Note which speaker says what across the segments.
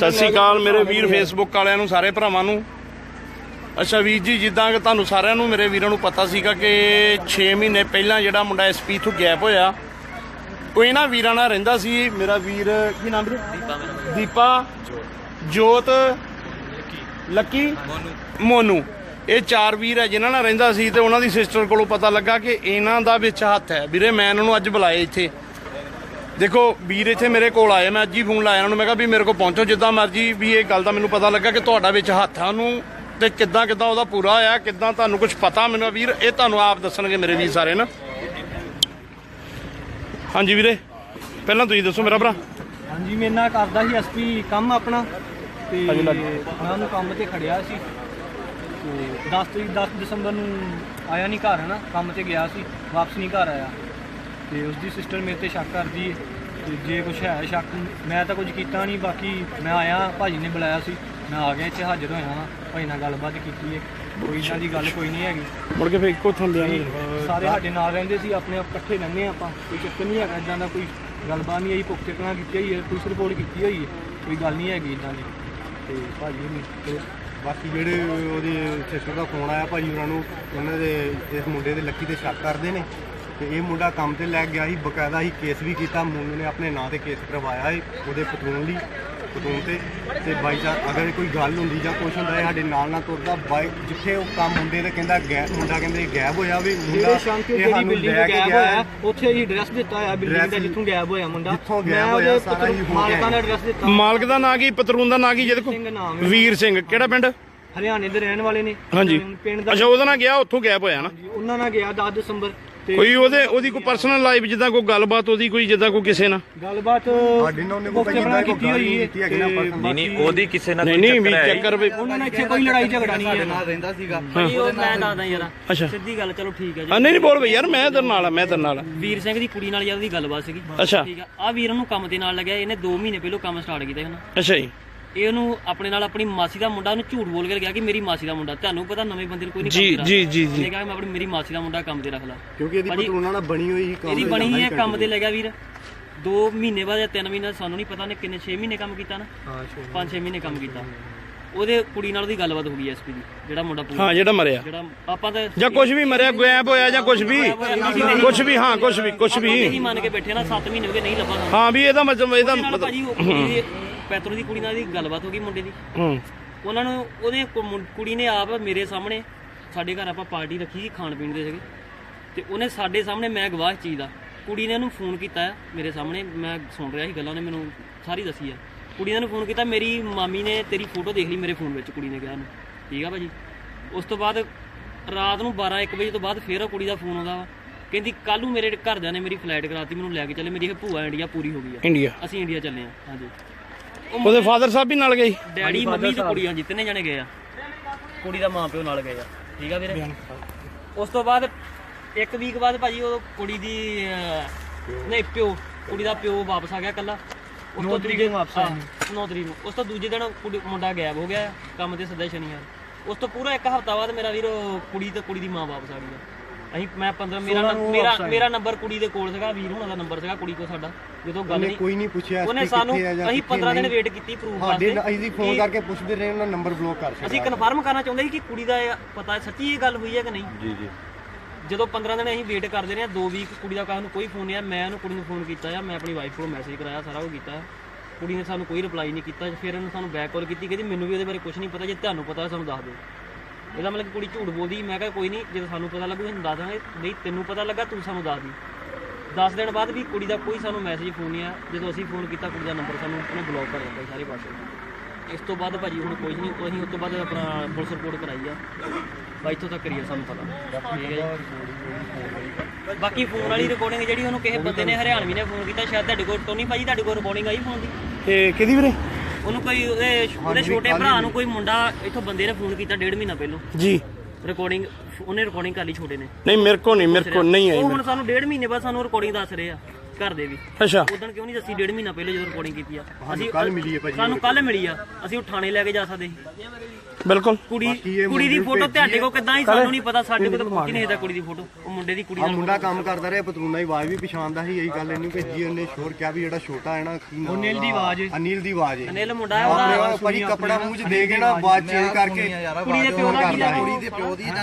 Speaker 1: ਸਤਿ ਸ਼੍ਰੀ ਅਕਾਲ ਮੇਰੇ ਵੀਰ ਫੇਸਬੁੱਕ ਵਾਲਿਆਂ ਨੂੰ, ਸਾਰੇ ਭਰਾਵਾਂ ਨੂੰ। ਅੱਛਾ ਵੀਰ ਜੀ, ਜਿੱਦਾਂ ਕਿ ਤੁਹਾਨੂੰ ਸਾਰਿਆਂ ਨੂੰ, ਮੇਰੇ ਵੀਰਾਂ ਨੂੰ ਪਤਾ ਸੀਗਾ ਕਿ 6 ਮਹੀਨੇ ਪਹਿਲਾਂ ਜਿਹੜਾ ਮੁੰਡਾ ਐਸਪੀ ਤੋਂ ਗੈਪ ਹੋਇਆ, ਉਹ ਇਹਨਾਂ ਵੀਰਾਂ ਨਾਲ ਰਹਿੰਦਾ ਸੀ। ਮੇਰਾ ਵੀਰ ਕੀ ਨਾਮ ਵੀਰੇ? ਦੀਪਾ, ਜੋਤ, ਲੱਕੀ, ਮੋਨੂ। ਇਹ 4 ਵੀਰ ਹੈ ਜਿਨ੍ਹਾਂ ਨਾਲ ਰਹਿੰਦਾ ਸੀ। ਤੇ ਉਹਨਾਂ ਦੀ ਸਿਸਟਰ ਕੋਲੋਂ ਪਤਾ ਲੱਗਾ ਕਿ ਇਹਨਾਂ ਦਾ ਵਿੱਚ ਹੱਥ ਹੈ। ਵੀਰੇ ਮੈਂ ਇਹਨਾਂ ਨੂੰ ਅੱਜ ਬੁਲਾਇਆ ਇੱਥੇ। ਦੇਖੋ ਵੀਰ ਇੱਥੇ ਮੇਰੇ ਕੋਲ ਆਏ, ਮੈਂ ਅੱਜ ਹੀ ਫੋਨ ਲਾਇਆ ਉਹਨਾਂ ਨੂੰ। ਮੈਂ ਕਿਹਾ ਵੀ ਮੇਰੇ ਕੋਲ ਪਹੁੰਚੋ ਜਿੱਦਾਂ ਮਰਜੀ। ਵੀ ਇਹ ਗੱਲ ਦਾ ਮੈਨੂੰ ਪਤਾ ਲੱਗਾ ਕਿ ਤੁਹਾਡਾ ਵਿੱਚ ਹੱਥ ਆ ਉਹਨੂੰ, ਤੇ ਕਿੱਦਾਂ ਉਹਦਾ ਪੂਰਾ ਹੋਇਆ, ਕਿੱਦਾਂ ਤੁਹਾਨੂੰ ਕੁਝ ਪਤਾ ਮੈਨੂੰ ਵੀਰ ਇਹ ਤੁਹਾਨੂੰ ਆਪ ਦੱਸਣਗੇ ਮੇਰੇ ਵੀਰ ਸਾਰੇ ਨਾ। ਹਾਂਜੀ ਵੀਰੇ, ਪਹਿਲਾਂ ਤੁਸੀਂ ਦੱਸੋ ਮੇਰਾ ਭਰਾ।
Speaker 2: ਹਾਂਜੀ, ਮੇਰੇ ਨਾਲ ਕਰਦਾ ਸੀ ਐਸਪੀ ਕੰਮ ਆਪਣਾ, ਤੇ ਮੈਂ ਉਹਨੂੰ ਕੰਮ ਤੇ ਖੜਿਆ ਸੀ। ਤੇ 10 ਦਸੰਬਰ ਨੂੰ ਆਇਆ ਨਹੀਂ ਘਰ, ਹੈ ਨਾ, ਕੰਮ ਤੇ ਗਿਆ ਸੀ, ਵਾਪਸ ਨਹੀਂ ਘਰ ਆਇਆ। ਤੇ ਉਸਦੀ ਸਿਸਟਰ ਮੇਰੇ ਤੇ ਸ਼ੱਕ ਕਰਦੀ ਹੈ। ਤੇ ਜੇ ਕੁਛ ਹੈ ਸ਼ੱਕ, ਮੈਂ ਤਾਂ ਕੁਝ ਕੀਤਾ ਨਹੀਂ। ਬਾਕੀ ਮੈਂ ਆਇਆ, ਭਾਜੀ ਨੇ ਬੁਲਾਇਆ ਸੀ, ਮੈਂ ਆ ਗਿਆ ਇੱਥੇ, ਹਾਜ਼ਰ ਹੋਇਆ ਵਾਂ। ਭਾਈ ਨਾਲ ਗੱਲਬਾਤ ਕੀਤੀ ਹੈ, ਕੋਈ ਇੱਦਾਂ ਦੀ ਗੱਲ ਕੋਈ ਨਹੀਂ ਹੈਗੀ।
Speaker 1: ਮੁੜ ਕੇ ਫਿਰ ਇੱਕੋ ਥਾਂ ਲਿਆ
Speaker 2: ਸਾਰੇ ਸਾਡੇ ਨਾਲ ਰਹਿੰਦੇ ਸੀ, ਆਪਣੇ ਆਪ ਇਕੱਠੇ ਰਹਿੰਦੇ ਆਪਾਂ, ਕੋਈ ਚੱਕਰ ਨਹੀਂ ਹੈਗਾ ਇੱਦਾਂ ਦਾ। ਕੋਈ ਗੱਲਬਾਤ ਨਹੀਂ ਆਈ, ਪੁਖਤੇ ਕਲਾਂ ਕੀਤੀ ਹੋਈ ਹੈ, ਪੁਲਿਸ ਰਿਪੋਰਟ ਕੀਤੀ ਹੋਈ ਹੈ, ਕੋਈ ਗੱਲ ਨਹੀਂ ਹੈਗੀ ਇੱਦਾਂ ਦੀ। ਤੇ ਭਾਜੀ ਨਹੀਂ,
Speaker 3: ਬਾਕੀ ਜਿਹੜੇ ਉਹਦੀ ਸਿਸਟਰ ਦਾ ਫੋਨ ਆਇਆ ਭਾਜੀ ਉਹਨਾਂ ਨੂੰ, ਉਹਨਾਂ ਦੇ ਇਸ ਮੁੰਡੇ ਦੇ ਲੱਕੀ ਤੇ ਸ਼ੱਕ ਕਰਦੇ ਨੇ। ਤੇ ਇਹ ਮੁੰਡਾ ਕੰਮ ਤੇ ਲੈ ਗਿਆ ਸੀ, ਬਕਾਇਦਾ ਹੀ ਕੇਸ ਵੀ ਕੀਤਾ। ਮੁੰਡੇ ਨੇ ਆਪਣੇ ਨਾਂ ਤੇ ਕੇਸ ਕਰਵਾਇਆ ਹੈ ਉਹਦੇ ਪਤਰੂਨ ਤੇ ਬਾਈ ਚਾਂਸ ਅਗਰ ਕੋਈ ਗੱਲ ਹੁੰਦੀ ਜਾਂ ਕੁਛ ਹੁੰਦਾ ਹੈ, ਸਾਡੇ ਨਾਲ ਤੁਰਦਾ ਬਾਈਕ ਜਿੱਥੇ ਉਹ ਕੰਮ ਮੁੰਡੇ ਦੇ ਕਹਿੰਦਾ ਮੁੰਡਾ ਕਹਿੰਦੇ ਗਾਇਬ ਹੋਇਆ ਵੀ ਮੁੰਡਾ ਇਹ ਸਾਨੂੰ ਲੈ ਕੇ ਗਿਆ।
Speaker 2: ਉੱਥੇ ਹੀ ਐਡਰੈਸ ਦਿੱਤਾ ਹੋਇਆ ਬਿਲਡਿੰਗ ਦਾ ਜਿੱਥੋਂ ਗਾਇਬ ਹੋਇਆ ਮੁੰਡਾ,
Speaker 3: ਜਿੱਥੋਂ ਗਾਇਬ ਹੋਇਆ ਸਾਰਾ ਹੀ ਹੋ
Speaker 2: ਮਾਲਕਾਂ ਦਾ ਐਡਰੈਸ ਦਿੱਤਾ।
Speaker 1: ਮਾਲਕ ਦਾ ਨਾਂ ਕੀ, ਪਤਰੂਨ ਦਾ ਨਾਂ ਕੀ? ਜਿਹਦੇ ਕੋਲ ਵੀਰ ਸਿੰਘ, ਕਿਹੜਾ ਪਿੰਡ?
Speaker 2: ਹਰਿਆਣੇ ਦੇ ਰਹਿਣ ਵਾਲੇ ਨੇ।
Speaker 1: ਹਾਂਜੀ,
Speaker 2: ਪਿੰਡ ਦਾ।
Speaker 1: ਅੱਛਾ, ਉਹਦੇ ਨਾਲ ਗਿਆ, ਉੱਥੋਂ ਗਾਇਬ ਹੋਇਆ ਨਾ।
Speaker 2: ਉਹਨਾਂ ਨਾਲ ਗਿਆ 10 ਦਸੰਬਰ।
Speaker 1: ਕੋਈ ਉਹਦੀ ਕੋਈ ਪਰਸਨਲ ਲਾਈਫ ਜਿੱਦਾਂ ਕੋਈ ਗੱਲਬਾਤ ਉਹਦੀ ਕੋਈ ਜਿੱਦਾਂ ਕੋਈ ਕਿਸੇ ਨਾਲ
Speaker 2: ਗੱਲਬਾਤ
Speaker 3: ਸਾਡੇ ਨਾਲ ਉਹਨੇ ਕੋਈ ਕੀਤੀ ਹੋਈ ਹੈ?
Speaker 4: ਨਹੀਂ ਉਹਦੀ ਕਿਸੇ ਨਾਲ
Speaker 1: ਨਹੀਂ ਵੀ ਚੱਕਰ ਵੀ
Speaker 2: ਉਹਨਾਂ ਨਾਲ ਇੱਥੇ ਕੋਈ ਲੜਾਈ ਝਗੜਾ ਨਹੀਂ ਹੈ।
Speaker 3: ਨਾਲ ਰਹਿੰਦਾ ਸੀਗਾ।
Speaker 5: ਮੈਂ ਦੱਸਦਾ ਯਾਰ,
Speaker 1: ਅੱਛਾ
Speaker 5: ਸਿੱਧੀ ਗੱਲ, ਚਲੋ ਠੀਕ ਹੈ ਜੀ।
Speaker 1: ਨਹੀਂ ਬੋਲ ਬਈ ਯਾਰ, ਮੈਂ ਤੇਰੇ ਨਾਲ ਆ, ਮੈਂ ਤੇਰੇ ਨਾਲ ਆ।
Speaker 5: ਵੀਰ ਸਿੰਘ ਦੀ ਕੁੜੀ ਨਾਲ ਯਾਰ ਉਹਦੀ ਗੱਲਬਾਤ ਸੀਗੀ।
Speaker 1: ਅੱਛਾ
Speaker 5: ਠੀਕ ਆ, ਆ ਵੀਰ ਨੂੰ ਕੰਮ ਦੇ ਨਾਲ ਲੱਗਿਆ। ਇਹਨੇ 2 ਮਹੀਨੇ ਪਹਿਲਾਂ ਕੰਮ ਸਟਾਰਟ ਕੀਤਾ ਹਨ।
Speaker 1: ਅੱਛਾ ਜੀ।
Speaker 5: ਇਹ ਉਹਨੂੰ ਆਪਣੇ ਨਾਲ ਆਪਣੀ ਮਾਸੀ ਦਾ ਮੁੰਡਾ, ਉਹਨੂੰ ਝੂਠ ਬੋਲ ਕੇ ਗਿਆ ਕਿ ਮੇਰੀ ਮਾਸੀ ਦਾ ਮੁੰਡਾ। ਤੁਹਾਨੂੰ ਪਤਾ ਨਵੇਂ ਬੰਦੇ ਨੂੰ ਕੋਈ ਨਹੀਂ ਕੰਮ
Speaker 1: ਜੀ
Speaker 5: ਇਹਨੇ ਕਿਹਾ ਮੈਂ ਆਪਣੀ ਮੇਰੀ ਮਾਸੀ ਦਾ ਮੁੰਡਾ ਕੰਮ ਤੇ ਰੱਖ ਲਾ,
Speaker 3: ਕਿਉਂਕਿ ਇਹਦੀ ਪਤਰੂਨਾਂ ਨਾਲ ਬਣੀ ਹੋਈ ਸੀ,
Speaker 5: ਇਹਦੀ ਬਣੀ ਹੈ ਕੰਮ ਤੇ ਲੱਗਿਆ ਵੀਰ। 2 ਮਹੀਨੇ ਬਾਅਦ ਜਾਂ 3 ਮਹੀਨੇ, ਸਾਨੂੰ ਨਹੀਂ ਪਤਾ ਨੇ ਕਿੰਨੇ, 6 ਮਹੀਨੇ ਕੰਮ ਕੀਤਾ ਨਾ। 5-6 ਮਹੀਨੇ ਕੰਮ ਕੀਤਾ। ਉਹਦੇ ਕੁੜੀ ਨਾਲ ਉਹਦੀ ਗੱਲਬਾਤ ਹੋ ਗਈ ਐਸਪੀ ਦੀ, ਜਿਹੜਾ ਮੁੰਡਾ ਪੂਰਾ,
Speaker 1: ਹਾਂ ਜਿਹੜਾ ਮਰਿਆ,
Speaker 5: ਜਿਹੜਾ ਆਪਾਂ ਤਾਂ
Speaker 1: ਜਾਂ ਕੁਝ ਵੀ ਮਰਿਆ, ਗਾਇਬ ਹੋਇਆ ਜਾਂ ਕੁਝ ਵੀ, ਹਾਂ ਕੁਝ ਵੀ
Speaker 5: ਇਹੀ ਮੰਨ ਕੇ ਬੈਠੇ ਨਾ। 7 ਮਹੀਨੇ ਹੋ ਗਏ ਨਹੀਂ ਲੱਭਾ ਸਾਨੂੰ।
Speaker 1: ਹਾਂ ਵੀ ਇਹਦਾ ਮਤਲਬ
Speaker 5: ਭਾਜੀ ਪੈਤਰੋ ਦੀ ਕੁੜੀ ਨਾਲ ਦੀ ਗੱਲਬਾਤ ਹੋ ਗਈ ਮੁੰਡੇ ਦੀ। ਉਹਨਾਂ ਨੂੰ ਉਹਦੇ ਕੁੜੀ ਨੇ ਆਪ ਮੇਰੇ ਸਾਹਮਣੇ, ਸਾਡੇ ਘਰ ਆਪਾਂ ਪਾਰਟੀ ਰੱਖੀ ਸੀ ਖਾਣ ਪੀਣ ਦੇ ਸੀਗੇ, ਤੇ ਉਹਨੇ ਸਾਡੇ ਸਾਹਮਣੇ, ਮੈਂ ਗਵਾਹ ਇਸ ਚੀਜ਼ ਦਾ, ਕੁੜੀ ਨੇ ਉਹਨੂੰ ਫੋਨ ਕੀਤਾ ਮੇਰੇ ਸਾਹਮਣੇ, ਮੈਂ ਸੁਣ ਰਿਹਾ ਸੀ ਗੱਲਾਂ, ਉਹਨੇ ਮੈਨੂੰ ਸਾਰੀ ਦੱਸੀ ਆ। ਕੁੜੀ ਨੇ ਉਹਨੂੰ ਫੋਨ ਕੀਤਾ, ਮੇਰੀ ਮਾਮੀ ਨੇ ਤੇਰੀ ਫੋਟੋ ਦੇਖ ਲਈ ਮੇਰੇ ਫੋਨ ਵਿੱਚ, ਕੁੜੀ ਨੇ ਕਿਹਾ ਉਹਨੂੰ। ਠੀਕ ਆ ਭਾਜੀ। ਉਸ ਤੋਂ ਬਾਅਦ ਰਾਤ ਨੂੰ 12-1 ਵਜੇ ਤੋਂ ਬਾਅਦ ਫਿਰ ਉਹ ਕੁੜੀ ਦਾ ਫੋਨ ਆਉਂਦਾ ਵਾ, ਕਹਿੰਦੀ ਕੱਲ ਨੂੰ ਮੇਰੇ ਘਰਦਿਆਂ ਨੇ ਮੇਰੀ ਫਲਾਈਟ ਕਰਾਤੀ, ਮੈਨੂੰ ਲੈ ਕੇ ਚੱਲੇ, ਮੇਰੀ ਭੂਆ ਇੰਡੀਆ ਪੂਰੀ ਹੋ ਗਈ ਆ,
Speaker 1: ਇੰਡੀਆ,
Speaker 5: ਅਸੀਂ ਇੰਡੀਆ ਚੱਲੇ ਆ। ਹਾਂਜੀ,
Speaker 1: ਉਹਦੇ ਫਾਦਰ ਸਾਹਿਬ ਵੀ ਨਾਲ ਗਏ,
Speaker 5: ਡੈਡੀ ਮੰਮੀ ਤੇ ਕੁੜੀ, ਹਾਂਜੀ 3 ਜਣੇ ਗਏ ਆ। ਕੁੜੀ ਦਾ ਮਾਂ ਪਿਓ ਨਾਲ ਗਏ ਆ। ਠੀਕ ਆ ਵੀਰੇ। ਉਸ ਤੋਂ ਬਾਅਦ 1 ਵੀਕ ਬਾਅਦ ਭਾਜੀ ਉਹ ਕੁੜੀ ਦੀ ਨਹੀਂ ਪਿਓ, ਕੁੜੀ ਦਾ ਪਿਓ ਵਾਪਸ ਆ ਗਿਆ ਕੱਲਾ। ਉਸ ਤੋਂ 9 ਤਰੀਕ ਨੂੰ। ਉਸ ਤੋਂ ਦੂਜੇ ਦਿਨ ਮੁੰਡਾ ਗਾਇਬ ਹੋ ਗਿਆ ਕੰਮ ਤੇ, ਸੱਦਾ ਸ਼ਨੀਵਾਰ। ਉਸ ਤੋਂ ਪੂਰਾ 1 ਹਫ਼ਤਾ ਬਾਅਦ ਮੇਰਾ ਵੀਰ ਕੁੜੀ ਤੇ ਕੁੜੀ ਦੀ ਮਾਂ ਵਾਪਸ ਆ ਗਈ। ਮੈਂ 15 ਮੇਰਾ ਨੰਬਰ ਕੁੜੀ ਦੇ ਕੋਲ ਸੀਗਾ, ਵੀਰ ਹੁਣਾਂ ਦਾ ਨੰਬਰ ਸੀਗਾ ਕੁੜੀ ਕੋਲ ਸਾਡਾ। ਜਦੋਂ ਗੱਲ ਨਹੀਂ
Speaker 3: ਕੋਈ ਨਹੀਂ ਪੁੱਛਿਆ,
Speaker 5: ਉਹਨੇ ਸਾਨੂੰ, ਅਸੀਂ 15 ਦਿਨ ਵੇਟ ਕੀਤੀ ਪ੍ਰੂਫ ਵਾਸਤੇ।
Speaker 3: ਅਸੀਂ ਫੋਨ ਕਰਕੇ ਪੁੱਛਦੇ ਰਹੇ, ਉਹਨਾਂ ਨੰਬਰ ਬਲੌਕ ਕਰ ਦਿੱਤਾ।
Speaker 5: ਅਸੀਂ ਕਨਫਰਮ ਕਰਨਾ ਚਾਹੁੰਦੇ ਸੀ ਕਿ ਕੁੜੀ ਦਾ ਪਤਾ ਸੱਚੀ ਇਹ ਗੱਲ ਹੋਈ ਹੈ ਕਿ ਨਹੀਂ।
Speaker 3: ਜੀ।
Speaker 5: ਜਦੋਂ 15 ਦਿਨ ਅਸੀਂ ਵੇਟ ਕਰਦੇ ਰਹੇ, 2 ਵੀਕ ਕੁੜੀ ਦਾ ਨੂੰ ਕੋਈ ਫੋਨ ਨਹੀਂ ਆਇਆ। ਮੈਂ ਉਹਨੂੰ ਕੁੜੀ ਨੂੰ ਫੋਨ ਕੀਤਾ ਆ, ਮੈਂ ਆਪਣੀ ਵਾਈਫ ਕੋਲ ਮੈਸੇਜ ਕਰਾਇਆ, ਸਾਰਾ ਕੁਝ ਕੀਤਾ। ਕੁੜੀ ਨੇ ਸਾਨੂੰ ਕੋਈ ਰਿਪਲਾਈ ਨਹੀਂ ਕੀਤਾ। ਫਿਰ ਉਹਨੇ ਸਾਨੂੰ ਬੈਕ ਕਾਲ ਕੀਤੀ, ਕਹਿੰਦੀ ਮੈਨੂੰ ਵੀ ਉਹਦੇ ਬਾਰੇ ਕੁਝ ਨਹੀਂ ਪਤਾ, ਜੇ ਤੁਹਾਨੂੰ ਪਤਾ ਸਾਨੂੰ ਦੱਸ ਦਿਓ। ਇਹਦਾ ਮਤਲਬ ਕਿ ਕੁੜੀ ਝੂਠ ਬੋਲਦੀ। ਮੈਂ ਕਿਹਾ ਕੋਈ ਨਹੀਂ, ਜਦੋਂ ਸਾਨੂੰ ਪਤਾ ਲੱਗੂ ਅਸੀਂ ਦੱਸ ਦਾਂਗੇ, ਨਹੀਂ ਤੈਨੂੰ ਪਤਾ ਲੱਗਾ ਤੂੰ ਸਾਨੂੰ ਦੱਸ ਦੀ। 10 ਦਿਨ ਬਾਅਦ ਵੀ ਕੁੜੀ ਦਾ ਕੋਈ ਸਾਨੂੰ ਮੈਸੇਜ ਫੋਨ ਨਹੀਂ ਆਇਆ। ਜਦੋਂ ਅਸੀਂ ਫੋਨ ਕੀਤਾ, ਕੁੜੀ ਦਾ ਨੰਬਰ ਸਾਨੂੰ ਉਹਨੇ ਬਲੌਕ ਕਰ ਦਿੱਤਾ ਸਾਰੇ ਪਾਸੇ। ਇਸ ਤੋਂ ਬਾਅਦ ਭਾਜੀ ਹੁਣ ਕੁਝ ਨਹੀਂ, ਅਸੀਂ ਉਸ ਤੋਂ ਬਾਅਦ ਆਪਣਾ ਪੁਲਿਸ ਰਿਪੋਰਟ ਕਰਾਈ ਆ। ਬਾਈ ਇੱਥੋਂ ਤੱਕ ਕਰੀਏ ਸਾਨੂੰ ਪਤਾ। ਠੀਕ ਹੈ ਜੀ। ਬਾਕੀ ਫੋਨ ਵਾਲੀ ਰਿਕਾਰਡਿੰਗ ਜਿਹੜੀ ਉਹਨੂੰ ਕਿਸੇ ਬੰਦੇ ਨੇ ਹਰਿਆਣਵੀ ਨੇ ਫੋਨ ਕੀਤਾ, ਸ਼ਾਇਦ ਤੁਹਾਡੇ ਕੋਲ ਟੋਨੀ ਭਾਜੀ ਤੁਹਾਡੇ ਕੋਲ ਰਿਕਾਰਡਿੰਗ ਆਈ ਫੋਨ ਦੀ?
Speaker 1: ਇਹ ਕਿਹਦੀ ਵੀਰੇ?
Speaker 5: ਉਹਨੂੰ ਕੋਈ ਉਹਦੇ ਛੋਟੇ ਭਰਾ ਨੂੰ ਕੋਈ ਮੁੰਡਾ ਇੱਥੋਂ ਬੰਦੇ ਨੇ ਫੋਨ ਕੀਤਾ 1.5 ਮਹੀਨਾ ਪਹਿਲਾਂ
Speaker 1: ਜੀ।
Speaker 5: ਰਿਕਾਰਡਿੰਗ ਉਹਨੇ ਰਿਕਾਰਡਿੰਗ ਕਰ ਲਈ ਛੋਟੇ ਨੇ।
Speaker 1: ਨਹੀਂ ਮੇਰੇ ਕੋ ਨਹੀਂ ਆਈ।
Speaker 5: ਉਹ ਹੁਣ ਸਾਨੂੰ 1.5 ਮਹੀਨੇ ਬਾਅਦ ਸਾਨੂੰ ਰਿਕਾਰਡਿੰਗ ਦੱਸ ਰਹੇ ਆ। ਘਰ ਦੇ ਵੀ
Speaker 1: ਅੱਛਾ
Speaker 5: ਉਦੋਂ ਕਿਉਂ ਨਹੀਂ ਦੱਸੀ 1.5 ਮਹੀਨਾ ਪਹਿਲੇ ਜਦੋਂ ਰਿਕਾਰਡਿੰਗ ਕੀਤੀ ਆ
Speaker 3: ਕੱਲ ਮਿਲੀ ਹੈ ਭਾਜੀ
Speaker 5: ਸਾਨੂੰ ਕੱਲ ਮਿਲੀ ਆ ਅਸੀਂ ਉਹ ਥਾਣੇ ਲੈ ਕੇ ਜਾ ਸਕਦੇ ਸੀ
Speaker 1: ਬਿਲਕੁਲ
Speaker 5: ਕੁੜੀ ਦੀ ਫੋਟੋ ਤੁਹਾਡੇ ਕੋਲ ਕਿੱਦਾਂ ਹੀ ਸਾਨੂੰ ਨਹੀਂ ਪਤਾ ਸਾਡੇ ਕੋਲ ਤਾਂ ਪਹੁੰਚ ਨਹੀਂ ਇਹਦਾ ਕੁੜੀ ਦੀ ਫੋਟੋ ਉਹ ਮੁੰਡੇ ਦੀ ਕੁੜੀ
Speaker 3: ਆ
Speaker 5: ਦਾ
Speaker 3: ਮੁੰਡਾ ਕੰਮ ਕਰਦਾ ਰਿਹਾ ਪਤਰੂਨਾ ਦੀ ਆਵਾਜ਼ ਵੀ ਪਛਾਣਦਾ ਸੀ ਇਹੀ ਗੱਲ ਇਹਨੂੰ ਭੇਜੀ ਉਹਨੇ ਸ਼ੋਰ ਕਿਹਾ ਵੀ ਜਿਹੜਾ ਛੋਟਾ ਹੈ ਨਾ
Speaker 2: ਅਨਿਲ ਦੀ ਆਵਾਜ਼
Speaker 3: ਅਨਿਲ ਦੀ ਆਵਾਜ਼ ਹੈ
Speaker 5: ਅਨਿਲ ਮੁੰਡਾ ਹੈ ਉਹਦਾ
Speaker 3: ਆਪਣੇ ਭਾਜੀ ਕੱਪੜਾ ਮੂੰਹ 'ਚ ਦੇ ਕੇ ਨਾ ਆਵਾਜ਼ ਚੇਂਜ ਕਰਕੇ
Speaker 5: ਕੁੜੀ ਦੇ ਪਿਓ ਦਾ ਕੀ ਲੱਗਦਾ
Speaker 3: ਕੁੜੀ ਦੇ ਪਿਓ ਦੀ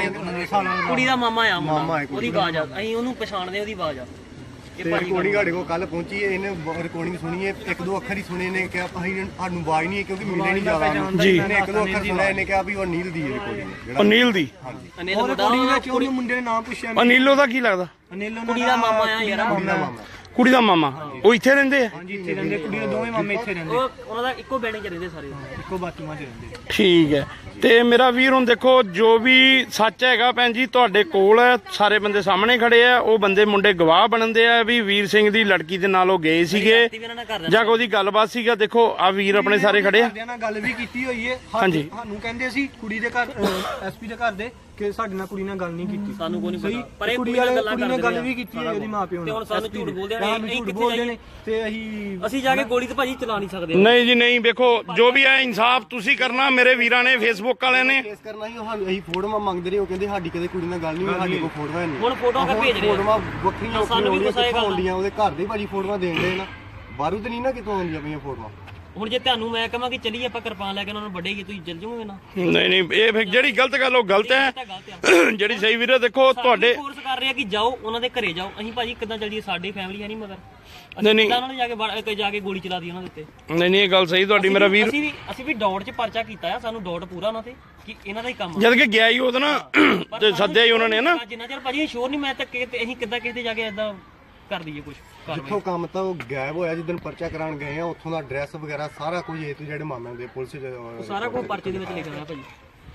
Speaker 5: ਕੁੜੀ ਦਾ ਮਾਮਾ ਆ
Speaker 3: ਮਾਮਾ ਹੈ
Speaker 5: ਉਹਦੀ ਆਵਾਜ਼ ਆ ਅਸੀਂ ਉਹਨੂੰ ਪਛਾਣਦੇ ਉਹਦੀ ਆਵਾਜ਼ ਆ ਇਹ
Speaker 3: ਤੇ
Speaker 5: ਭਾਜੀ
Speaker 3: ਰਿਕਾਰਡਿੰਗ ਸਾਡੇ ਕੋਲ ਕੱਲ ਪਹੁੰਚੀ ਹੈ ਇਹਨੇ ਰਿਕਾਰਡਿੰਗ ਸੁਣੀ ਹੈ ਇੱਕ ਦੋ ਅੱਖਰ ਹੀ ਸੁਣੇ ਨੇ ਕਿਹਾ ਅਸੀਂ ਸਾਨੂੰ ਆਵਾਜ਼ ਨਹੀਂ ਹੈ ਕਿਉਂਕਿ ਮਿਲੇ ਨਹੀਂ ਜ਼ਿਆਦਾ
Speaker 1: ਜੀ।
Speaker 3: ਇਹਨੇ ਇੱਕ ਦੋ ਅੱਖਰ ਸੁਣਿਆ ਇਹਨੇ ਕਿਹਾ ਵੀ ਉਹ ਅਨਿਲ ਦੀ ਹੈ ਰਿਕਾਰਡਿੰਗ
Speaker 1: ਅਨਿਲ ਦੀ
Speaker 3: ਹਾਂਜੀ
Speaker 5: ਅਨਿਲ
Speaker 2: ਉਹ
Speaker 5: ਮੁੰਡਾ
Speaker 2: ਕੁੜੀ ਵਿੱਚ ਉਹਨੇ ਮੁੰਡੇ ਨੇ ਨਾਮ ਪੁੱਛਿਆ
Speaker 1: ਅਨਿਲ ਉਹਦਾ ਕੀ ਲੱਗਦਾ
Speaker 2: ਅਨਿਲ
Speaker 5: ਕੁੜੀ ਦਾ ਮਾਮਾ ਆ ਯਾਰ
Speaker 3: ਕੁੜੀ ਦਾ ਮਾਮਾ
Speaker 1: ਕੁੜੀ ਦਾ ਮਾਮਾ ਉਹ ਇੱਥੇ ਰਹਿੰਦੇ ਆ
Speaker 2: ਹਾਂਜੀ ਇੱਥੇ ਰਹਿੰਦੇ ਕੁੜੀ ਦੇ ਦੋਵੇਂ ਮਾਮੇ ਇੱਥੇ ਰਹਿੰਦੇ
Speaker 5: ਉਹ ਉਹਨਾਂ ਦਾ ਇੱਕੋ ਬਿਲਡਿੰਗ 'ਚ ਰਹਿੰਦੇ ਸਾਰੇ
Speaker 2: ਇੱਕੋ ਬਾਥਰੂਮਾਂ 'ਚ ਰਹਿੰਦੇ
Speaker 1: ਠੀਕ ਹੈ ਤੇ ਮੇਰਾ ਵੀਰ ਹੁਣ ਦੇਖੋ ਜੋ ਵੀ ਸੱਚ ਹੈਗਾ ਭੈਣ ਜੀ ਤੁਹਾਡੇ ਕੋਲ ਹੈ ਸਾਰੇ ਬੰਦੇ ਸਾਹਮਣੇ ਖੜੇ ਆ ਉਹ ਬੰਦੇ ਮੁੰਡੇ ਗਵਾਹ ਬਣਦੇ ਆ ਵੀ ਵੀਰ ਸਿੰਘ ਦੀ ਲੜਕੀ ਦੇ ਨਾਲ ਉਹ ਗਏ ਸੀਗੇ
Speaker 5: ਵੀ ਇਹਨਾਂ ਨਾਲ ਕਰ
Speaker 1: ਜਾਂ ਉਹਦੀ ਗੱਲਬਾਤ ਸੀਗਾ ਦੇਖੋ ਆ ਵੀਰ ਆਪਣੇ ਸਾਰੇ ਖੜੇ ਆ
Speaker 2: ਘਰਦਿਆਂ ਨਾਲ ਗੱਲ ਵੀ ਕੀਤੀ ਹੋਈ ਹੈ
Speaker 1: ਹਾਂਜੀ।
Speaker 2: ਸਾਨੂੰ ਕਹਿੰਦੇ ਸੀ ਕੁੜੀ ਦੇ ਘਰ ਐਸਪੀ ਦੇ ਘਰ ਦੇ ਕਿ ਸਾਡੇ ਨਾਲ ਕੁੜੀ ਨਾਲ ਗੱਲ ਨਹੀਂ ਕੀਤੀ
Speaker 5: ਸਾਨੂੰ ਕੋਈ ਨਹੀਂ
Speaker 2: ਸਹੀ
Speaker 5: ਪਤਾ ਪਰ ਇਹ
Speaker 2: ਕੁੜੀ
Speaker 5: ਕੁੜੀ ਨਾਲ
Speaker 2: ਵਾਲੇ
Speaker 5: ਗੱਲਾਂ
Speaker 2: ਕੁੜੀ ਨਾਲ
Speaker 5: ਕਰਦੇ
Speaker 2: ਗੱਲ ਵੀ ਕੀਤੀ ਹੈ ਉਹਦੀ ਮਾਂ ਪਿਓ
Speaker 5: ਤੇ
Speaker 2: ਨਾਲ
Speaker 5: ਹੁਣ ਸਾਨੂੰ ਝੂਠ ਬੋਲਦੇ ਨੇ
Speaker 2: ਸਾਨੂੰ ਝੂਠ ਬੋਲਦੇ ਨੇ ਤੇ
Speaker 5: ਅਸੀਂ ਜਾ ਕੇ ਗੋਲੀ ਤੇ ਭਾਜੀ ਚਲਾ ਨਹੀਂ ਸਕਦੇ
Speaker 1: ਨਹੀਂ ਜੀ ਨਹੀਂ ਵੇਖੋ ਜੋ ਵੀ ਹੈ ਇਨਸਾਫ ਤੁਸੀਂ ਕਰਨਾ ਮੇਰੇ ਵੀਰਾਂ ਨੇ ਫੇਸਬੁੱਕ ਵਾਲਿਆਂ ਨੇ
Speaker 3: ਕੇਸ ਕਰਨਾ ਸੀ ਉਹ ਸਾਨੂੰ ਅਸੀਂ ਫੋਟੋਆਂ ਮੰਗਦੇ ਰਹੇ ਉਹ ਕਹਿੰਦੇ ਸਾਡੀ ਕਦੇ ਕੁੜੀ ਨਾਲ ਗੱਲ ਨਹੀਂ ਹੋਈ ਸਾਡੇ ਕੋਲ ਫੋਟੋਆਂ ਨਹੀਂ
Speaker 5: ਹੁਣ ਫੋਟੋਆਂ ਕਾ ਭੇਜ ਰਹੇ ਆ
Speaker 3: ਫੋਟੋਆਂ ਵੱਖਰੀਆਂ
Speaker 5: ਸਾਨੂੰ ਵੀ ਗੁੱਸਾ ਇਹ ਗੱਲ
Speaker 3: ਆਉਂਦੀਆਂ ਉਹਦੇ ਘਰ ਦੇ ਭਾਜੀ ਫੋਟੋਆਂ ਦੇਣ ਦੇ ਨਾ ਬਾਹਰੋਂ ਤੇ ਨਹੀਂ ਨਾ ਕਿਤੋਂ ਆਉਂਦੀਆਂ ਪਈਆਂ ਫੋਟੋਆਂ
Speaker 5: ਹੁਣ ਜੇ ਤੁਹਾਨੂੰ ਮੈਂ ਕਹਾਂ ਕਿ ਚੱਲੀਏ ਆਪਾਂ ਕਿਰਪਾਨ ਲੈ ਕੇ ਉਹਨਾਂ ਨੂੰ ਵੱਢੇਗੀ ਤੁਸੀਂ ਚੱਲ ਜਾਓਗੇ ਨਾ
Speaker 1: ਨਹੀਂ ਨਹੀਂ ਇਹ ਫਿਰ ਜਿਹੜੀ ਗਲਤ ਗੱਲ ਉਹ ਗਲਤ ਹੈ
Speaker 5: ਇਹ ਤਾਂ ਗਲਤ ਆ
Speaker 1: ਜਿਹੜੀ ਸਹੀ ਵੀਰੇ ਦੇਖੋ ਤੁਹਾਡੇ
Speaker 5: ਫੋਰਸ ਕਰ ਰਹੇ ਆ ਕਿ ਜਾਓ ਉਹਨਾਂ ਦੇ ਘਰੇ ਜਾਓ ਅਸੀਂ ਭਾਜੀ ਕਿੱਦਾਂ ਚੱਲ ਜੀਏ ਸਾਡੀ ਫੈਮਿਲੀ ਹੈ ਨਹੀਂ ਮਗਰ
Speaker 1: ਨਹੀਂ, ਨਹੀਂ।
Speaker 5: ਉਹਨਾਂ ਨੇ ਜਾ ਕੇ ਗੋਲੀ ਚਲਾ ਦੀ ਉਹਨਾਂ ਦੇ ਉੱਤੇ
Speaker 1: ਨਹੀਂ ਨਹੀਂ ਇਹ ਗੱਲ ਸਹੀ ਤੁਹਾਡੀ ਮੇਰਾ ਵੀਰ
Speaker 5: ਅਸੀਂ ਵੀ ਡਾਟ 'ਚ ਪਰਚਾ ਕੀਤਾ ਆ ਸਾਨੂੰ ਡਾਟ ਪੂਰਾ ਉਹਨਾਂ ਤੇ ਕਿ ਇਹਨਾਂ ਦਾ ਹੀ ਕੰਮ ਆ
Speaker 1: ਜਦ ਕਿ ਗਿਆ ਹੀ ਉਹਦਾ ਨਾ ਤੇ ਸੱਦਿਆ ਹੀ ਉਹਨਾਂ ਨੇ ਨਾ
Speaker 5: ਜਿੰਨਾ ਚਿਰ ਭਾਜੀ ਸ਼ੋਰ ਨਹੀਂ ਮੈਂ ਤਾਂ ਅਸੀਂ ਕਿੱਦਾਂ ਕਿਸੇ ਦੇ ਜਾ ਕੇ ਏਦਾਂ ਕਰ ਦਈਏ ਕੁਝ
Speaker 3: ਜਿੱਥੋਂ ਕੰਮ ਤਾਂ ਉਹ ਗਾਇਬ ਹੋਇਆ ਜਿੱਦਣ ਪਰਚਾ ਕਰਾਉਣ ਗਏ ਆ ਉੱਥੋਂ ਦਾ ਐਡਰੈਸ ਵਗੈਰਾ ਸਾਰਾ ਕੁਝ ਇਹ ਤੋਂ ਜਿਹੜੇ ਮਾਮਿਆਂ ਦੇ ਪੁਲਿਸ
Speaker 5: ਸਾਰਾ ਕੁਝ ਪਰਚੇ ਦੇ ਵਿੱਚ ਲਿਖਿਆ ਹੋਇਆ ਭਾਜੀ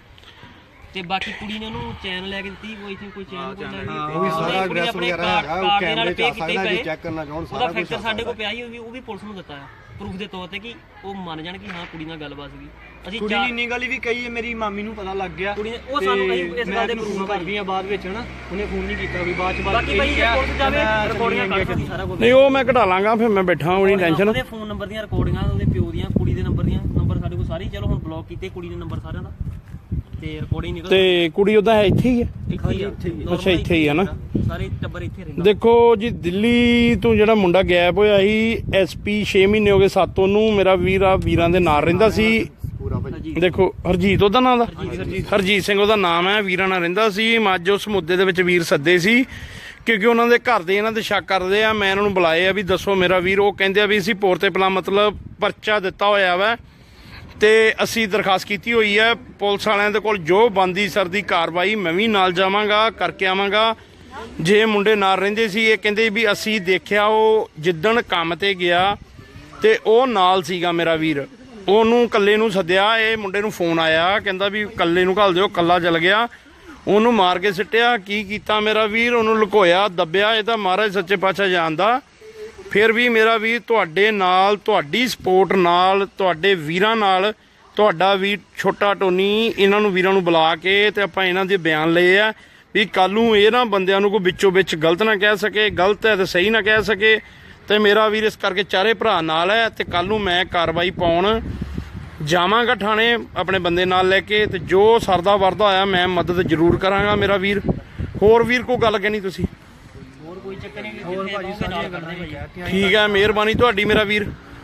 Speaker 5: ਤੇ ਬਾਕੀ ਕੁੜੀ ਨੇ ਉਹਨੂੰ ਚੈਨ ਲੈ ਕੇ ਦਿੱਤੀ ਕੋਈ ਇੱਥੇ ਕੋਈ ਚੈਨ ਕੋਈ ਲੈ ਕੇ
Speaker 3: ਉਹ ਵੀ ਸਾਰਾ ਐਡਰੈਸ ਵਗੈਰਾ ਹੈਗਾ ਉਹ ਕੈਮਰੇ 'ਚ ਆ ਸਕਦਾ ਜੇ ਚੈੱਕ ਕਰਨਾ ਚਾਹਣ
Speaker 5: ਉਹਦਾ
Speaker 3: ਸਾਰਾ ਕੁਝ
Speaker 5: ਫੈਕਟਰ ਸਾਡੇ ਕੋਲ ਪਿਆ ਹੀ ਉਹ ਵੀ ਪੁਲਿਸ ਨੂੰ ਦਿੱਤਾ ਹੈ ਪ੍ਰੂਫ ਦੇ ਤੌਰ ਤੇ ਕਿ ਉਹ ਮੰਨ ਜਾਣ ਕਿ ਹਾਂ ਕੁੜੀ ਨਾਲ ਗੱਲਬਾਤ ਸੀਗੀ ਅਸੀਂ
Speaker 2: ਕੁੜੀ ਨੇ ਇੰਨੀ ਗੱਲ ਵੀ ਕਹੀ ਹੈ ਮੇਰੀ ਮਾਮੀ ਨੂੰ ਪਤਾ ਲੱਗ ਗਿਆ
Speaker 5: ਕੁੜੀ ਨੇ ਉਹ ਸਾਨੂੰ ਕਹੀ ਇਸ ਗੱਲ ਦੇ ਪ੍ਰੂਫ
Speaker 2: ਕਰਦੀ ਆ ਬਾਅਦ ਵਿੱਚ ਹਨਾ ਉਹਨੇ ਫੋਨ ਨਹੀਂ ਕੀਤਾ ਵੀ ਬਾਅਦ ਚ
Speaker 5: ਬਾਕੀ ਭਾਈ ਜੇ ਪੁਲਿਸ ਜਾਵੇ ਰਿਕਾਰਡਿੰਗਾਂ ਕਰ ਸਕਦੀ ਸਾਰਾ ਕੁਝ
Speaker 1: ਨਹੀਂ ਉਹ ਮੈਂ ਕਢਾ ਲਾਂਗਾ ਫਿਰ ਮੈਂ ਬੈਠਾ ਉਹਦੀ ਟੈਨਸ਼ਨ
Speaker 5: ਉਹਦੇ ਫੋਨ ਨੰਬਰ ਦੀਆਂ ਰਿਕਾਰਡਿੰਗਾਂ ਉਹਦੇ ਪਿਓ ਦੀਆਂ ਕੁੜੀ ਦੇ ਨੰਬਰ ਦੀਆਂ ਨੰਬਰ ਸਾਡੇ ਕੋਲ ਸਾਰੇ ਚਲੋ ਹੁਣ ਬਲੌਕ ਕੀਤੇ ਕੁੜੀ ਦੇ ਨੰਬਰ ਸਾਰਿਆਂ ਦਾ ਤੇ ਰਿਕਾਰਡਿੰਗ ਨਿਕਲ
Speaker 1: ਤੇ ਕੁੜੀ ਉਹਦਾ ਹੈ ਇੱਥੇ ਹੀ ਹੈ
Speaker 5: ਇੱਥੇ ਹੀ
Speaker 1: ਅੱਛਾ ਇੱਥੇ ਹੀ ਹੈ ਨਾ
Speaker 5: ਸਾਰੇ ਟੱਬਰ ਇੱਥੇ ਰਹਿੰਦਾ
Speaker 1: ਦੇਖੋ ਜੀ ਦਿੱਲੀ ਤੋਂ ਜਿਹੜਾ ਮੁੰਡਾ ਗਾਇਬ ਹੋਇਆ ਸੀ ਐਸਪੀ 6 ਮਹੀਨੇ ਹੋ ਗਏ ਸਾਤੋਂ ਨੂੰ ਮੇਰਾ ਵੀਰ ਆ ਵੀਰਾਂ ਦੇ ਨਾਲ ਰਹਿੰਦਾ ਸੀ
Speaker 3: ਪੂਰਾ ਭਾਜੀ
Speaker 1: ਦੇਖੋ ਹਰਜੀਤ ਉਹਦਾ ਨਾਮ ਦਾ ਹਰਜੀਤ ਸਿੰਘ ਉਹਦਾ ਨਾਮ ਹੈ ਵੀਰਾਂ ਨਾਲ ਰਹਿੰਦਾ ਸੀ ਮੈਂ ਅੱਜ ਉਸ ਮੁੱਦੇ ਦੇ ਵਿੱਚ ਵੀਰ ਸੱਦੇ ਸੀ ਕਿਉਂਕਿ ਉਹਨਾਂ ਦੇ ਘਰ ਦੇ ਇਹਨਾਂ ਤੇ ਸ਼ੱਕ ਕਰਦੇ ਆ ਮੈਂ ਇਹਨਾਂ ਨੂੰ ਬੁਲਾਏ ਆ ਵੀ ਦੱਸੋ ਮੇਰਾ ਵੀਰ ਉਹ ਕਹਿੰਦੇ ਆ ਵੀ ਅਸੀਂ ਪੋਰਤੇ ਪਲਾ ਮਤਲਬ ਪਰਚਾ ਦਿੱਤਾ ਹੋਇਆ ਵਾ ਤੇ ਅਸੀਂ ਦਰਖਾਸਤ ਕੀਤੀ ਹੋਈ ਹੈ ਪੁਲਿਸ ਵਾਲਿਆਂ ਦੇ ਕੋਲ ਜੋ ਬੰਦੀ ਸਰਦੀ ਕਾਰਵਾਈ ਮੈਂ ਵੀ ਨਾਲ ਜਾਵਾਂਗਾ ਕਰਕੇ ਆਵਾਂਗਾ ਜੇ ਮੁੰਡੇ ਨਾਲ ਰਹਿੰਦੇ ਸੀ ਇਹ ਕਹਿੰਦੇ ਵੀ ਅਸੀਂ ਦੇਖਿਆ ਉਹ ਜਿੱਦਣ ਕੰਮ ਤੇ ਗਿਆ ਤੇ ਉਹ ਨਾਲ ਸੀਗਾ ਮੇਰਾ ਵੀਰ ਉਹਨੂੰ ਕੱਲੇ ਨੂੰ ਸੱਦਿਆ ਇਹ ਮੁੰਡੇ ਨੂੰ ਫੋਨ ਆਇਆ ਕਹਿੰਦਾ ਵੀ ਕੱਲੇ ਨੂੰ ਘੱਲ ਦਿਓ ਕੱਲਾ ਚਲ ਗਿਆ ਉਹਨੂੰ ਮਾਰ ਕੇ ਸਿੱਟਿਆ ਕੀ ਕੀਤਾ ਮੇਰਾ ਵੀਰ ਉਹਨੂੰ ਲੁਕੋਇਆ ਦੱਬਿਆ ਇਹ ਤਾਂ ਮਹਾਰਾਜ ਸੱਚੇ ਪਾਤਸ਼ਾਹ ਜਾਣਦਾ ਫਿਰ ਵੀ ਮੇਰਾ ਵੀਰ ਤੁਹਾਡੇ ਨਾਲ ਤੁਹਾਡੀ ਸਪੋਰਟ ਨਾਲ ਤੁਹਾਡੇ ਵੀਰਾਂ ਨਾਲ ਤੁਹਾਡਾ ਵੀਰ ਛੋਟਾ ਟੋਨੀ ਇਹਨਾਂ ਨੂੰ ਵੀਰਾਂ ਨੂੰ ਬੁਲਾ ਕੇ ਤੇ ਆਪਾਂ ਇਹਨਾਂ ਦੇ ਬਿਆਨ ਲਏ ਆ ਵੀ ਕੱਲ ਨੂੰ ਇਹ ਨਾ ਬੰਦਿਆਂ ਨੂੰ ਕੋਈ ਵਿੱਚੋਂ ਵਿੱਚ ਗਲਤ ਨਾ ਕਹਿ ਸਕੇ ਗਲਤ ਹੈ ਤੇ ਸਹੀ ਨਾ ਕਹਿ ਸਕੇ ਤੇ ਮੇਰਾ ਵੀਰ ਇਸ ਕਰਕੇ ਚਾਰੇ ਭਰਾ ਨਾਲ ਹੈ ਤੇ ਕੱਲ ਨੂੰ ਮੈਂ ਕਾਰਵਾਈ ਪਾਉਣ ਜਾਵਾਂਗਾ ਥਾਣੇ ਆਪਣੇ ਬੰਦੇ ਨਾਲ ਲੈ ਕੇ ਤੇ ਜੋ ਸਰਦਾ ਵਰਦਾ ਹੋਇਆ ਮੈਂ ਮਦਦ ਜ਼ਰੂਰ ਕਰਾਂਗਾ ਮੇਰਾ ਵੀਰ ਹੋਰ ਵੀਰ ਕੋਈ ਗੱਲ ਕਹਿਣੀ ਤੁਸੀਂ
Speaker 5: ਹੋਰ ਕੋਈ ਚੱਕਰ ਨਹੀਂ ਹੋਰ ਭਾਜੀ ਸਾਰੀਆਂ ਗੱਲਾਂ ਭਾਜੀ
Speaker 1: ਠੀਕ ਹੈ ਮਿਹਰਬਾਨੀ ਤੁਹਾਡੀ ਮੇਰਾ ਵੀਰ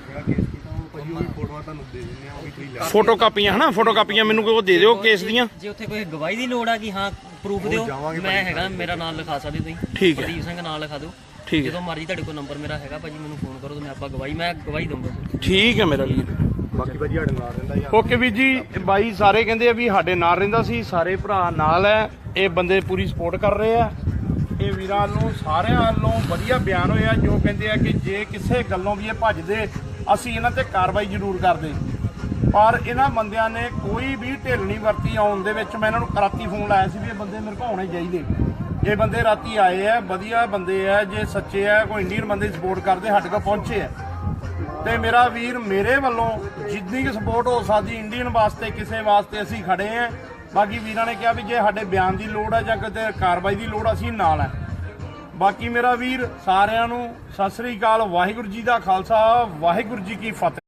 Speaker 3: ਫੋਟੋਆਂ ਤੁਹਾਨੂੰ ਦੇ ਦਿੰਦੇ ਆ ਉਹ ਵੀ ਤੁਸੀਂ ਲੈ
Speaker 1: ਫੋਟੋ ਕਾਪੀਆਂ ਹਨਾ ਫੋਟੋ ਕਾਪੀਆਂ ਮੈਨੂੰ ਕੋਈ ਦੇ ਦਿਓ ਕੇਸ ਦੀਆਂ
Speaker 5: ਜੇ ਉੱਥੇ ਕੋਈ ਗਵਾਹੀ ਦੀ ਲੋੜ ਆ ਕਿ ਹਾਂ ਪ੍ਰੂਫ ਦਿਓ ਮੈਂ ਹੈਗਾ ਮੇਰਾ ਨਾਮ ਲਿਖਾ ਸਕਦੇ ਤੁਸੀਂ
Speaker 1: ਠੀਕ ਹੈ
Speaker 5: ਪ੍ਰਦੀਪ ਸਿੰਘ ਨਾਮ ਲਿਖਾ ਦਿਓ
Speaker 1: ਠੀਕ ਹੈ
Speaker 5: ਜਦੋਂ ਮਰਜ਼ੀ ਤੁਹਾਡੇ ਕੋਲ ਨੰਬਰ ਮੇਰਾ ਹੈਗਾ ਭਾਜੀ ਮੈਨੂੰ ਫੋਨ ਕਰੋ ਤੇ ਮੈਂ ਆਪਾਂ ਮੈਂ ਗਵਾਹੀ ਦਊਂਗਾ
Speaker 1: ਠੀਕ ਹੈ ਮੇਰਾ ਵੀਰ
Speaker 3: ਬਾਕੀ ਭਾਜੀ ਸਾਡੇ ਨਾਲ ਰਹਿੰਦਾ ਯਾਰ
Speaker 1: ਓਕੇ ਵੀਰ ਜੀ ਬਾਈ ਸਾਰੇ ਕਹਿੰਦੇ ਆ ਵੀ ਸਾਡੇ ਨਾਲ ਰਹਿੰਦਾ ਸੀ ਸਾਰੇ ਭਰਾ ਨਾਲ ਹੈ ਇਹ ਬੰਦੇ ਪੂਰੀ ਸਪੋਰਟ ਕਰ ਰਹੇ ਆ ਇਹ ਵੀਰਾਂ ਨੂੰ ਸਾਰਿਆਂ ਵੱਲੋਂ ਵਧੀਆ ਬਿਆਨ ਹੋਇਆ ਜੋ ਕਹਿੰਦੇ ਆ ਕਿ ਜੇ ਕਿਸੇ ਗੱਲੋਂ ਵੀ ਇਹ ਭੱਜਦੇ ਅਸੀਂ ਇਹਨਾਂ ਤੇ ਕਾਰਵਾਈ ਜ਼ਰੂਰ ਕਰਦੇ ਪਰ ਇਹਨਾਂ ਬੰਦਿਆਂ ਨੇ ਕੋਈ ਵੀ ਢਿੱਲ ਨਹੀਂ ਵਰਤੀ ਆਉਣ ਦੇ ਵਿੱਚ ਮੈਂ ਇਹਨਾਂ ਨੂੰ ਰਾਤੀ ਫੋਨ ਲਾਇਆ ਸੀ ਵੀ ਇਹ ਬੰਦੇ ਮੇਰੇ ਕੋਲ ਆਉਣੇ ਚਾਹੀਦੇ ਇਹ ਬੰਦੇ ਰਾਤੀ ਆਏ ਆ ਵਧੀਆ ਬੰਦੇ ਆ ਜੇ ਸੱਚੇ ਆ ਕੋਈ ਇੰਡੀਅਨ ਬੰਦੇ ਸਪੋਰਟ ਕਰਦੇ ਸਾਡੇ ਕੋਲ ਪਹੁੰਚੇ ਆ ਤੇ ਮੇਰਾ ਵੀਰ ਮੇਰੇ ਵੱਲੋਂ ਜਿੰਨੀ ਕੁ ਸਪੋਰਟ ਹੋ ਸਕਦੀ ਇੰਡੀਅਨ ਵਾਸਤੇ ਕਿਸੇ ਵਾਸਤੇ ਅਸੀਂ ਖੜੇ ਆ ਬਾਕੀ ਵੀਰਾਂ ਨੇ ਕਿਹਾ ਵੀ ਜੇ ਸਾਡੇ ਬਿਆਨ ਦੀ ਲੋੜ ਆ ਜਾਂ ਕਿਤੇ ਕਾਰਵਾਈ ਦੀ ਲੋੜ ਅਸੀਂ ਨਾਲ ਆ ਬਾਕੀ ਮੇਰਾ ਵੀਰ ਸਾਰਿਆਂ ਨੂੰ ਸਤਿ ਸ੍ਰੀ ਅਕਾਲ। ਵਾਹਿਗੁਰੂ ਜੀ ਦਾ ਖਾਲਸਾ, ਵਾਹਿਗੁਰੂ ਜੀ ਕੀ ਫਤਿਹ।